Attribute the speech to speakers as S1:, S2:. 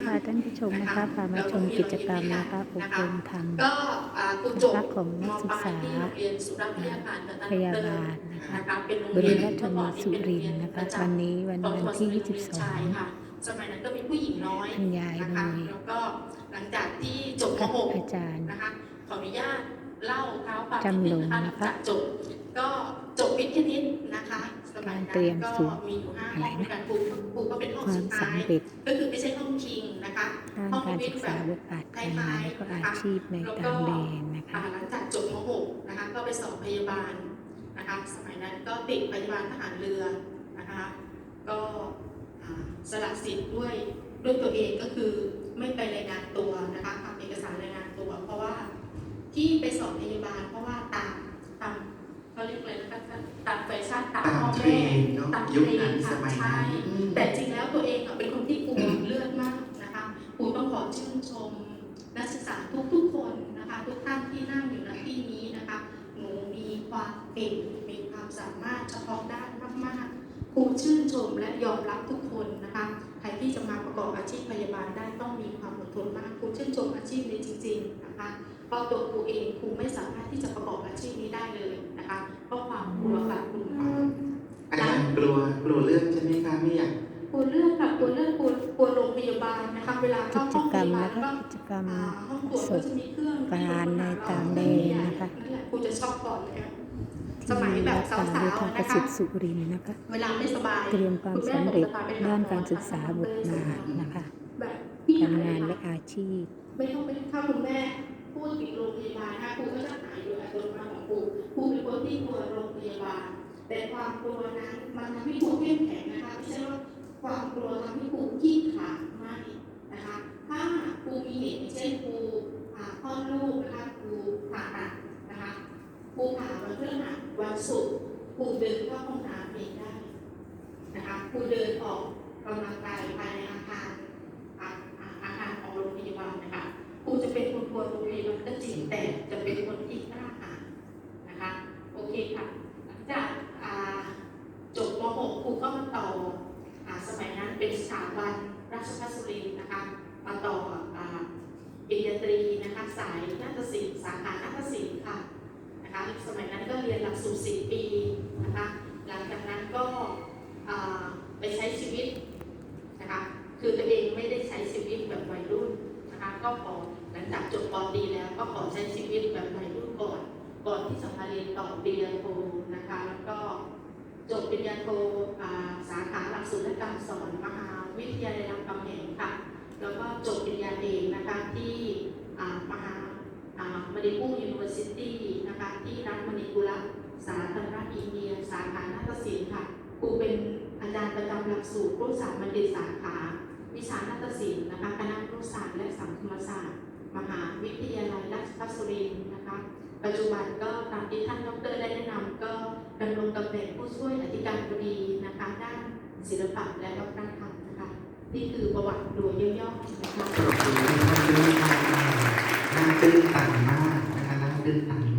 S1: ค่ะท่านผู้ชมนะคะพามาชมกิจกรรมนะคะอบรมธรรม
S2: ก็คุณจบ
S1: รักของนักศึกษา
S2: ที่โรงเรียนสุรพยาบาล
S1: พยาบาลนะคะ
S2: เป็นโรง
S1: บ
S2: เรี
S1: ริ
S2: ยน
S1: ราชธานีสุรินทร์นะคะวันนี้วันที่ 22
S2: ค่ะสมัยนั้นก็มีผู้หญิงน้อย
S1: คุณยาย
S2: นะคะ
S1: เลย
S2: แล้วก็หลังจากที่จบม
S1: อาจารย์
S2: .6 นะคะขออนุญาตเล่าเท้าความ
S1: จำลอง
S2: หลั
S1: นะคะ
S2: จากจบก็จบวิทย์คณิตนะคะสมั
S1: กาย ร
S2: นั้น
S1: เตรียม
S2: ก็
S1: สู่
S2: มีอยู่5
S1: อะไร
S2: ห้อง
S1: นะ
S2: ครูก็เป็นห้อง
S1: ควา
S2: สุ
S1: ม
S2: ดท้าย
S1: สำเร็จ
S2: ก็คือไม่ใช่ห้องคิงนะคะ
S1: ด้าน
S2: ห้อง
S1: การ
S2: วิ
S1: ศึ
S2: ท
S1: ก
S2: ย์
S1: ษาบทบาทการงานและก็อาชีพในต่างแดนนะคะ
S2: หลังจากจบม .6 นะคะก็ไปสอบพยาบาลนะคะสมัยนั้นก็ติดพยาบาลทหารเรือนะคะก็สละสิทธิ์ด้วยตัวเองก็คือไม่ไปรายงานตัวนะคะทำเอกสารรายงานตัวเพราะว่าที่ไปสอบพยาบาลเพราะว่าตามเขาเรียกอะไรนะคะตามแฟชั่นตามพ่อแม่ตามเทรนด์ค่ะใช่แต่จริงแล้วตัวเองเป็นคนที่กลัวเลือดมากนะคะครูต้องขอชื่นชมนักศึกษาทุกคนนะคะทุกท่านที่นั่งอยู่ณที่นี้นะคะหนูมีความเก่งมีความสามารถเฉพาะด้านมากๆครูชื่นชมและยอมรับทุกคนนะคะใครที่จะมาประกอบอาชีพพยาบาลได้ต้องมีความอดทนมากครูชื่นชมอาชีพนี้จริงๆนะคะเพราะตัวครูเองครูไม่สามารถที่จะประกอบอาชีพนี้ได้เลยนะคะเพราะความกลัวค่ะคุณ
S3: อาจารย์กลัวเรื่องใช่ไหมคะไม่อยาก
S2: กลัวเรื่องค่ะกลัวเรื่องกลัวโรงพยาบาลนะคะเวลาเข้าห้องพยาบาลก็
S1: กิจกรรม
S2: ห้องตรวจก็จะมีเครื่อง
S1: การในต่างแดนนะคะ
S2: นั่นแหละครูจะชอบก่อนเลยส
S1: ที่
S2: มัยแบ
S1: รับ
S2: สา
S1: การ
S2: ว
S1: โดยทาง
S2: ๆ
S1: ประ
S2: นะคะ
S1: สิทธิ์สุรินทร์นะคะ
S2: เวลาไม่สบาย
S1: เตรียมความสำเร็จด้านการศึกษาบทบาทนะคะ
S2: แบบพี่
S1: การงานและอาชีพ
S2: ไม่ต้องไปถ้าคุณแม่พูดถึงโรงพยาบาลนะครูก็จะหายอยู่อัตโนมัติของครูเป็นคนที่กลัวโรงพยาบาลแต่ความกลัวนั้นมันทำให้ครูเข้มแข็งนะคะไม่ใช่ว่าความกลัวทำให้ครูขี้ขลาดไม่นะคะถ้าครูมีเหตุเช่นครูคลอดลูกนะคะครูผ่าตัดนะคะครูผ่าวันพฤหัสวันศุกร์ครูเดินเข้าห้องน้ำเองได้นะคะครูเดินออกกำลังกายภายในอาคารของโรงพยาบาลนะคะครูจะเป็นคนกลัวโรงพยาบาลก็จริงแต่จะเป็นคนที่กล้าหาญนะคะโอเคค่ะหลังจากจบม .6 ครูก็มาต่อสมัยนั้นเป็นสถาบันราชภัฏสุรินทร์นะคะมาต่อปริญญาตรีนะคะสายนาฏศิลป์สาขานาฏศิลป์ค่ะนะคะสมัยนั้นก็เรียนหลักสูตร4 ปีนะคะหลังจากนั้นก็ไปใช้ชีวิตนะคะคือตัวเองไม่ได้ใช้ชีวิตแบบวัยรุ่นนะคะก็ขอหลังจากจบป.ตรีแล้วก็ขอใช้ชีวิตแบบวัยรุ่นก่อนที่จะมาเรียนต่อปริญญาโทนะคะแล้วก็จบปริญญาโทสาขาหลักสูตรและการสอนมหาวิทยาลัยรามคำแหงค่ะแล้วก็จบปริญญาเอกนะคะที่มหามณิพูยูนิเวอร์ซิตี้นะคะที่รัฐมณิปุระสาธารณรัฐอินเดียสาขานาฏศิลป์ค่ะครูเป็นอาจารย์ประจำหลักสูตรครุศาสตร์บัณฑิตสาขาวิชานาฏศิลป์นะคะคณะครุศาสตร์และสังคมศาสตร์มหาวิทยาลัยราชภัฏสุรินทร์นะคะปัจจุบันก็ตามที่ท่านดร.ได้แนะนำก็ดำรงตำแหน่งผู้ช่วยอธิการบดีนะคะด้านศิลปะและวัฒนธรรมนะคะนี่คือประวัติโดยย่อๆนะคะ
S3: ขอบคุณที่มาด้วยค่ะน่าตื้นตันมากนะคะน่าตื้นตัน